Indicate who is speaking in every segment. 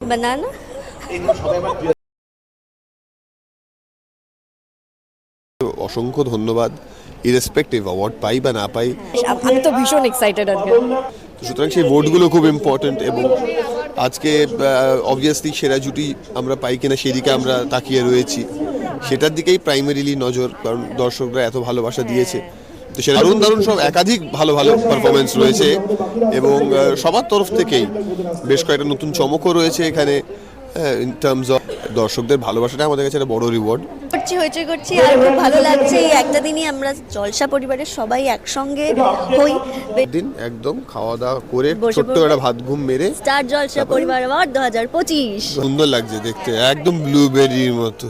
Speaker 1: banana.
Speaker 2: অসংখ্য ধন্যবাদ irrespective award পাই বা না পাই।
Speaker 1: আমি তো ভীষণ এক্সাইটেড আজকে।
Speaker 2: সুতরাং সেই ভোটগুলো খুব ইম্পর্টেন্ট এবং আজকে অবভিয়াসলি সেরা জুটি আমরা পাই কিনা সেদিকে আমরা তাকিয়ে রয়েছি, সেটার দিকেই প্রাইমারিলি নজর, কারণ দর্শকরা এত ভালোবাসা দিয়েছে। তো সেটা দারুণ দারুণ সব একাধিক ভালো ভালো পারফরমেন্স রয়েছে এবং সবার তরফ থেকেই বেশ কয়েকটা নতুন চমকও রয়েছে এখানে। ইন টার্মস অফ দর্শকদের ভালোবাসাটা আমাদের কাছে একটা বড় রিওয়ার্ড।
Speaker 1: করছি আর খুব ভালো লাগছে। এই একটা দিনই আমরা জলসা পরিবারের সবাই একসঙ্গে হই।
Speaker 2: দিন একদম খাওয়া দাওয়া করে ছোট্ট একটা ভাত ঘুম মেরে
Speaker 1: স্টার জলসা পরিবার অ্যাওয়ার্ড 2025
Speaker 2: সুন্দর লাগছে দেখতে, একদম ব্লুবেরির মতো।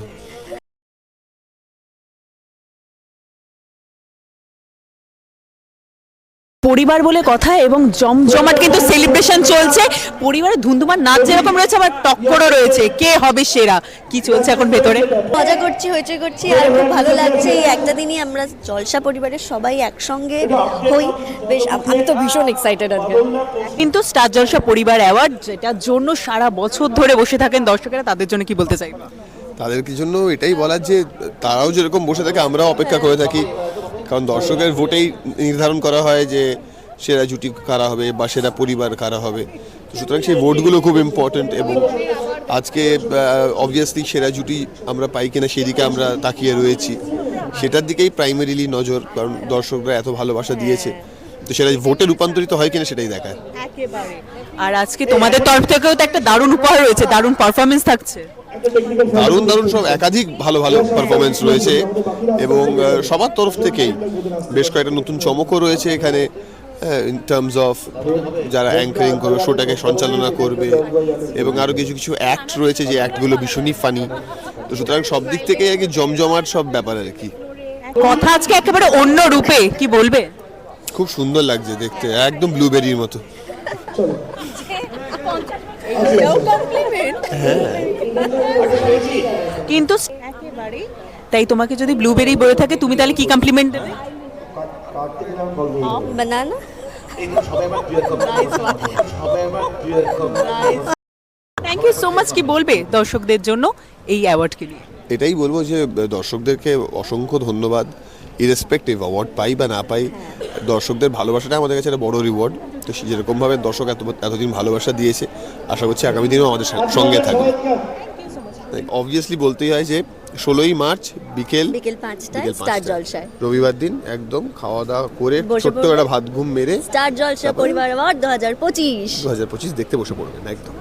Speaker 3: পরিবার বলে কথা এবং জমজমাট কিন্তু সেলিব্রেশন চলছে। পরিবারের ধুমধুমার নাচ যেরকম রয়েছে আবার টক্করও রয়েছে, কে হবে সেরা, কি চলছে এখন ভেতরে?
Speaker 1: মজা করছি, হইচই করছি আর খুব ভালো লাগছে। এই একটা দিনই আমরা জলসা পরিবারের সবাই একসঙ্গে হই। বেশ আমি তো ভীষণ এক্সাইটেড আজকে।
Speaker 3: কিন্তু স্টার জলসা পরিবার অ্যাওয়ার্ড, যেটার জন্য সারা বছর ধরে বসে থাকেন দর্শকেরা, তাদের জন্য কি বলতে চাইবে?
Speaker 2: তাদের জন্য এটাই বলার যে তারাও যেরকম বসে থাকে আমরাও অপেক্ষা করে থাকি, কারণ দর্শকের ভোটেই নির্ধারণ করা হয় যে সেরা জুটি কারা হবে বা সেরা পরিবার কারা হবে। সুতরাং সেই ভোটগুলো খুব ইম্পর্টেন্ট এবং আজকে অবভিয়াসলি সেরা জুটি আমরা পাই কিনা সেদিকে আমরা তাকিয়ে রয়েছি, সেটার দিকেই প্রাইমারিলি নজর, কারণ দর্শকরা এত ভালোবাসা দিয়েছে। তো সেটা ভোটে রূপান্তরিত হয় কিনা সেটাই দেখায়।
Speaker 3: একেবারে। আর আজকে তোমাদের তরফ থেকেও তো একটা দারুণ উপহার রয়েছে, দারুণ পারফরমেন্স থাকছে।
Speaker 2: দারুণ দারুণ সব একাধিক ভালো ভালো পারফরমেন্স রয়েছে এবং সবার তরফ থেকেই বেশ কয়েকটা নতুন চমকও রয়েছে এখানে। ইন টার্মস অফ যারা অ্যাঙ্কারিং করবে, শোটাকে সঞ্চালনা করবে এবং আরও কিছু কিছু অ্যাক্ট রয়েছে যে অ্যাক্টগুলো ভীষণই ফানি। তো সুতরাং সব দিক থেকে আর কি জমজমাট সব ব্যাপার আর কি।
Speaker 3: কথা আজকে একেবারে অন্য রূপে, কি বলবে?
Speaker 2: খুব সুন্দর লাগছে দেখতে, একদম ব্লুবেরির মতো।
Speaker 3: কিন্তু একেবারে তাই, তোমাকে যদি ব্লুবেরি বলে থাকে তুমি তাহলে কি কমপ্লিমেন্ট দেবে?
Speaker 1: banana.
Speaker 3: Thank you so much. কি বলবে দর্শকদের জন্য এই অ্যাওয়ার্ডকে নিয়ে?
Speaker 2: এটাই বলবো যে দর্শকদেরকে অসংখ্য ধন্যবাদ ইরেসপেক্টিভ অ্যাওয়ার্ড পাই বা না পাই। দর্শকদের ভালোবাসাটা আমাদের কাছে একটা বড় রিওয়ার্ড। তো যেরকমভাবে দর্শক এতদিন ভালোবাসা দিয়েছে, আশা করছি আগামী দিনেও আমাদের সঙ্গে থাকবে। অবভিয়াসলি বলতেই হয় যে 16ই মার্চ বিকেল
Speaker 1: 5টায় স্টার জলসায়,
Speaker 2: রবিবার দিন একদম খাওয়া দাওয়া করে ছোট্ট একটা ভাত ঘুম মেরে
Speaker 1: স্টার জলসা পরিবার অ্যাওয়ার্ড 2025
Speaker 2: দেখতে বসে পড়বেন একদম।